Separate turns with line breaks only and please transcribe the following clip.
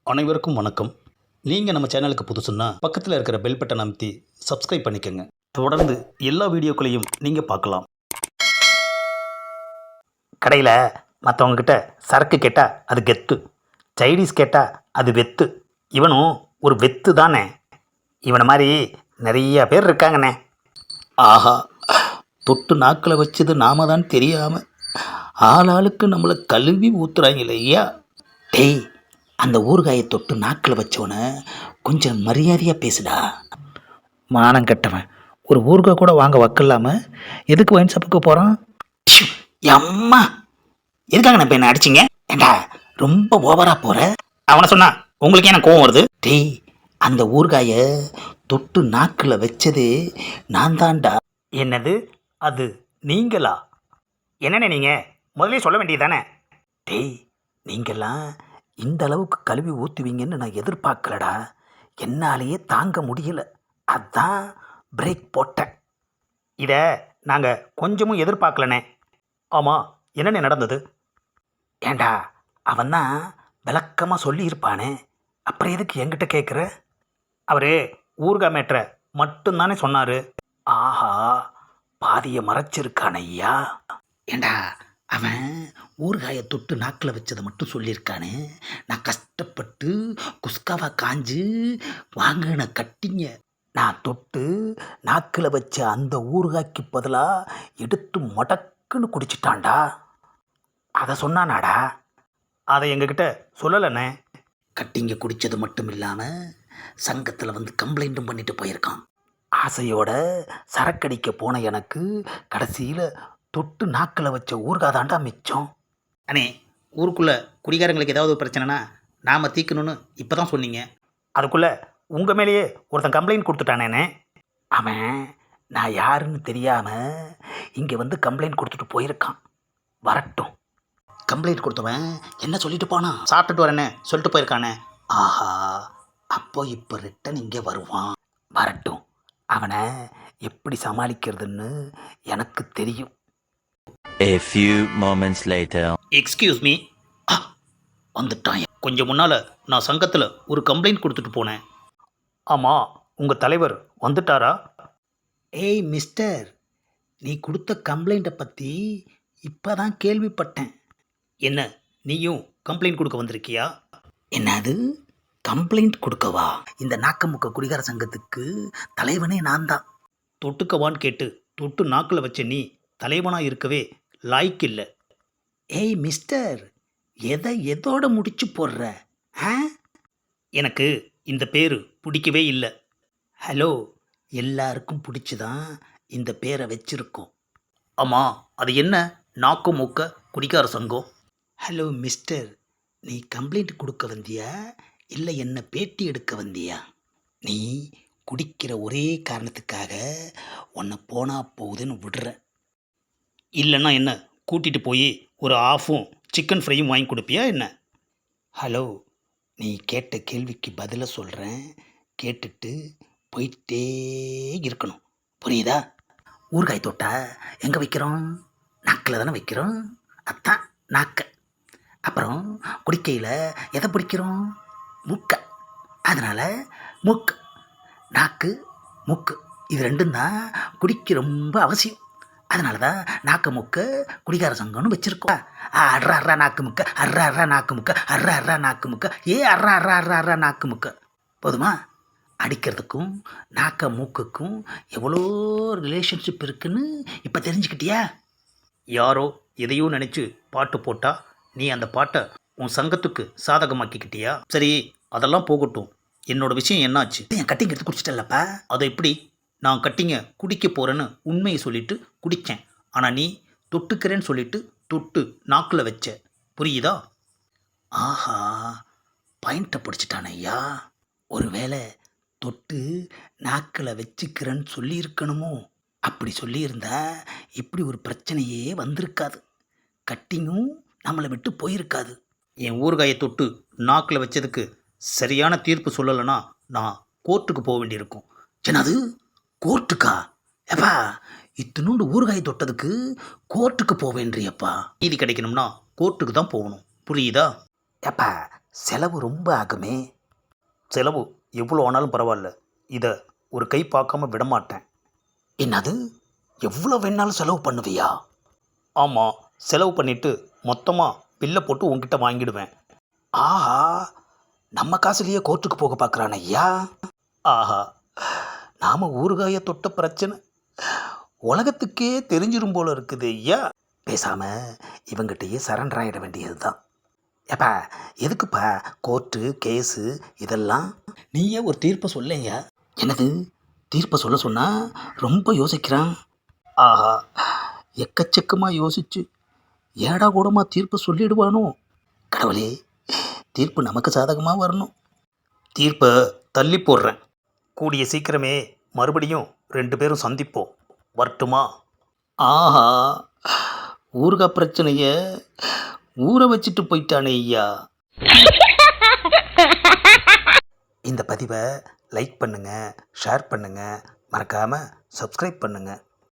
அனைவருக்கும் வணக்கம். நீங்கள் நம்ம சேனலுக்கு புதுசுன்னா பக்கத்தில் இருக்கிற பெல் பட்டனை அமைத்தி சப்ஸ்கிரைப் பண்ணிக்கோங்க. தொடர்ந்து எல்லா வீடியோக்களையும் நீங்கள் பார்க்கலாம்.
கடையில் மற்றவங்கக்கிட்ட சரக்கு கேட்டால் அது கெத்து, சைனீஸ் கேட்டால் அது வெத்து. இவனும் ஒரு வெத்து தானே. இவனை மாதிரி நிறைய பேர் இருக்காங்கண்ணே.
ஆஹா, தொட்டு நாக்கில் வச்சது நாம தான் தெரியாமல் ஆளாளுக்கு நம்மளை கழுவி ஊத்துறாங்களே ஐயா.
டேய், அந்த ஊறுகாயை தொட்டு நாக்கில் வச்சவனை கொஞ்சம் மரியாதையாக பேசுடா. மானம் கட்டவன் ஒரு ஊறுகாய் கூட வாங்க வக்கலாமல் எதுக்கு ஒயின் ஷாப்புக்கு போகிறான்? அம்மா, எதுக்காக நான் இப்போ என்ன அடிச்சிங்க? ஏண்டா ரொம்ப ஓவராக போகிற. அவனை சொன்னா உங்களுக்கு என்ன கோவம் வருது? டேய், அந்த ஊறுகாயை தொட்டு நாக்கில் வச்சது நான் தான்டா. என்னது அது நீங்களா? என்னண்ணே நீங்கள் முதல்ல சொல்ல வேண்டியது தானே. டேய், நீங்கள்லாம் இந்த அளவுக்கு கழுவி ஊற்றுவீங்கன்னு நான் எதிர்பார்க்கலடா. என்னாலேயே தாங்க முடியல, அதான் பிரேக் போட்டேன். இதை நாங்கள் கொஞ்சமும் எதிர்பார்க்கலண்ணே. ஆமாம், என்னென்ன நடந்தது? ஏண்டா, அவன் தான் விளக்கமாக சொல்லியிருப்பானே, அப்புறம் எதுக்கு என்கிட்ட கேட்குற? அவர் ஊறுகாய் மேட்ரை மட்டும்தானே சொன்னார். ஆஹா, பாதியை மறைச்சிருக்கான ஐயா. ஏண்டா, அவன் ஊறுகாயை தொட்டு நாக்கில் வச்சதை மட்டும் சொல்லியிருக்கானே. நான் கஷ்டப்பட்டு குஸ்காவா காஞ்சு வாங்கின கட்டிங்க நான் தொட்டு நாக்கில் வச்ச அந்த ஊறுகாய்க்கு பதிலாக எடுத்து மடக்குன்னு குடிச்சிட்டான்டா. அதை சொன்னானாடா? அதை எங்ககிட்ட சொல்லலைண்ணே. கட்டிங்க குடித்தது மட்டும் இல்லாமல் சங்கத்தில் வந்து கம்ப்ளைண்ட்டும் பண்ணிட்டு போயிருக்கான். ஆசையோட சரக்கடிக்க போன எனக்கு கடைசியில் தொட்டு நாக்கில் வச்ச ஊறுகாய் தாண்டா மிச்சம். அண்ணே, ஊருக்குள்ளே குடிகாரங்களுக்கு ஏதாவது பிரச்சனைனா நாம் தீர்க்கணும்னு இப்போ தான் சொன்னீங்க. அதுக்குள்ளே உங்கள் மேலேயே ஒருத்தன் கம்ப்ளைண்ட் கொடுத்துட்டானேண்ணே. அவன் நான் யாருன்னு தெரியாமல் இங்கே வந்து கம்ப்ளைண்ட் கொடுத்துட்டு போயிருக்கான். வரட்டும். கம்ப்ளைண்ட் கொடுத்தவன் என்ன சொல்லிட்டு போனான்? சாப்பிட்டுட்டு வரேன்னு சொல்லிட்டு போயிருக்கானே. ஆஹா, அப்போ இப்போ ரிட்டன் இங்கே வருவான். வரட்டும், அவனை எப்படி சமாளிக்கிறதுன்னு எனக்கு தெரியும்.
A few moments later.
Excuse me.
வந்துட்டான்.
கொஞ்சம் முன்னால் நான் சங்கத்தில் ஒரு கம்ப்ளைண்ட் கொடுத்துட்டு போனேன். ஆமாம், உங்கள் தலைவர் வந்துட்டாரா?
ஏய் மிஸ்டர், நீ கொடுத்த கம்ப்ளைண்ட்டை பற்றி இப்போ தான் கேள்விப்பட்டேன்.
என்ன, நீயும் கம்ப்ளைண்ட் கொடுக்க வந்திருக்கியா?
என்னது, கம்ப்ளைண்ட் கொடுக்கவா? இந்த நாக்கமுக்க குடிகார சங்கத்துக்கு தலைவனே நான் தான்.
தொட்டுக்கவான்னு கேட்டு தொட்டு நாக்கில் வச்ச நீ தலைவனாக இருக்கவே லாய்க்கு இல்லை.
ஏய் மிஸ்டர், எதோட முடிச்சு போடுற?
எனக்கு இந்த பேர் பிடிக்கவே இல்லை.
ஹலோ, எல்லாருக்கும் பிடிச்சி தான் இந்த பேரை வச்சிருக்கோம்.
ஆமாம், அது என்ன நாக்கு மூக்க குடிக்கார சங்கம்?
ஹலோ மிஸ்டர், நீ கம்ப்ளைண்ட் கொடுக்க வந்தியா இல்லை என்ன பேட்டி எடுக்க வந்தியா? நீ குடிக்கிற ஒரே காரணத்துக்காக உன்னை போனா போகுதுன்னு விடுற.
இல்லைன்னா என்ன, கூட்டிகிட்டு போய் ஒரு ஆஃபும் சிக்கன் ஃப்ரையும் வாங்கி கொடுப்பியா என்ன?
ஹலோ, நீ கேட்ட கேள்விக்கு பதிலை சொல்கிறேன், கேட்டுட்டு போயிட்டே இருக்கணும், புரியுதா? ஊறுகாய் தொட்டா எங்கே வைக்கிறோம்? நாக்கில் தானே வைக்கிறோம். அதான் நாக்க. அப்புறம் குடிக்கையில் எதை பிடிக்கிறோம்? மூக்க. அதனால் மூக்கு, நாக்கு, மூக்கு இது ரெண்டும் தான் குடிக்க ரொம்ப அவசியம். அதனால தான் நாக்கு முக்க குடிகார சங்கம்னு வச்சுருக்கோம். அர்ரா அர்ரா நாக்கு முக்க, அர்ரா அர்ரா நாக்கு முக்க, அர்ரா அர்ரா நாக்கு முக்க, அர்ரா அர்ரா அர்ரா அர்ரா நாக்கு முக்க. போதுமா? அடிக்கிறதுக்கும் நாக்க மூக்குக்கும் எவ்வளோ ரிலேஷன்ஷிப் இருக்குன்னு இப்போ தெரிஞ்சுக்கிட்டியா?
யாரோ எதையோ நினச்சி பாட்டு போட்டா நீ அந்த பாட்டை உன் சங்கத்துக்கு சாதகமாக்கிக்கிட்டியா? சரி, அதெல்லாம் போகட்டும். என்னோட விஷயம் என்னாச்சு?
என் கட்டிங் எடுத்து குடிச்சிட்டல்லப்பா.
அதை எப்படி? நான் கட்டிங்க குடிக்க போகிறேன்னு உண்மையை சொல்லிவிட்டு குடித்தேன். ஆனால் நீ தொட்டுக்கிறேன்னு சொல்லிவிட்டு தொட்டு நாக்கில் வச்ச, புரியுதா?
ஆஹா, பாயிண்ட்டை பிடிச்சிட்டான ஐயா. ஒருவேளை தொட்டு நாக்கில் வச்சுக்கிறேன்னு சொல்லியிருக்கணுமோ? அப்படி சொல்லியிருந்தா இப்படி ஒரு பிரச்சனையே வந்திருக்காது. கட்டிங்கும் நம்மளை விட்டு போயிருக்காது.
என் ஊறுகாயை தொட்டு நாக்கில் வச்சதுக்கு சரியான தீர்ப்பு சொல்லலைன்னா நான் கோர்ட்டுக்கு போக வேண்டியிருக்கும்.
என்னது, கோர்ட்டுக்கா? எப்பா, இத்தினோண்டு ஊறுகாய் தொட்டதுக்கு கோர்ட்டுக்கு போவேன்றியப்பா.
நீதி கிடைக்கணும்னா கோர்ட்டுக்கு தான் போகணும், புரியுதா?
எப்பா, செலவு ரொம்ப ஆகுமே.
செலவு எவ்வளோ ஆனாலும் பரவாயில்ல, இதை ஒரு கை பார்க்காம விடமாட்டேன்.
என்னது, எவ்வளோ வேணாலும் செலவு பண்ணுவியா?
ஆமாம், செலவு பண்ணிவிட்டு மொத்தமாக பில்லை போட்டு உங்ககிட்ட வாங்கிடுவேன்.
ஆஹா, நம்ம காசுலேயே கோர்ட்டுக்கு போக பார்க்குறான் ஐயா.
ஆஹா,
நாம் ஊறுகாயை தொட்ட பிரச்சனை உலகத்துக்கே தெரிஞ்சிரும் போல இருக்குது ஐயா. பேசாமல் இவங்கிட்டயே சரண்டர் ஆகிட வேண்டியது தான். ஏப்பா, எதுக்குப்பா கோர்ட்டு கேஸு இதெல்லாம்?
நீயே ஒரு தீர்ப்பை சொல்லையா.
என்னது, தீர்ப்பை சொல்ல சொன்னால் ரொம்ப யோசிக்கிறான்.
ஆஹா,
எக்கச்சக்கமாக யோசிச்சு ஏடா கூடமாக தீர்ப்பு சொல்லிடுவானோ. கடவுளே, தீர்ப்பு நமக்கு சாதகமாக வரணும்.
தீர்ப்பை தள்ளி போடுறேன். கூடிய சீக்கிரமே மறுபடியும் 2 பேரும் சந்திப்போம். வரட்டுமா?
ஆஹா, ஊறுகாய் பிரச்சனையை ஊற வச்சுட்டு போயிட்டானே ஐயா. இந்த பதிவை லைக் பண்ணுங்கள், ஷேர் பண்ணுங்கள், மறக்காமல் சப்ஸ்கிரைப் பண்ணுங்கள்.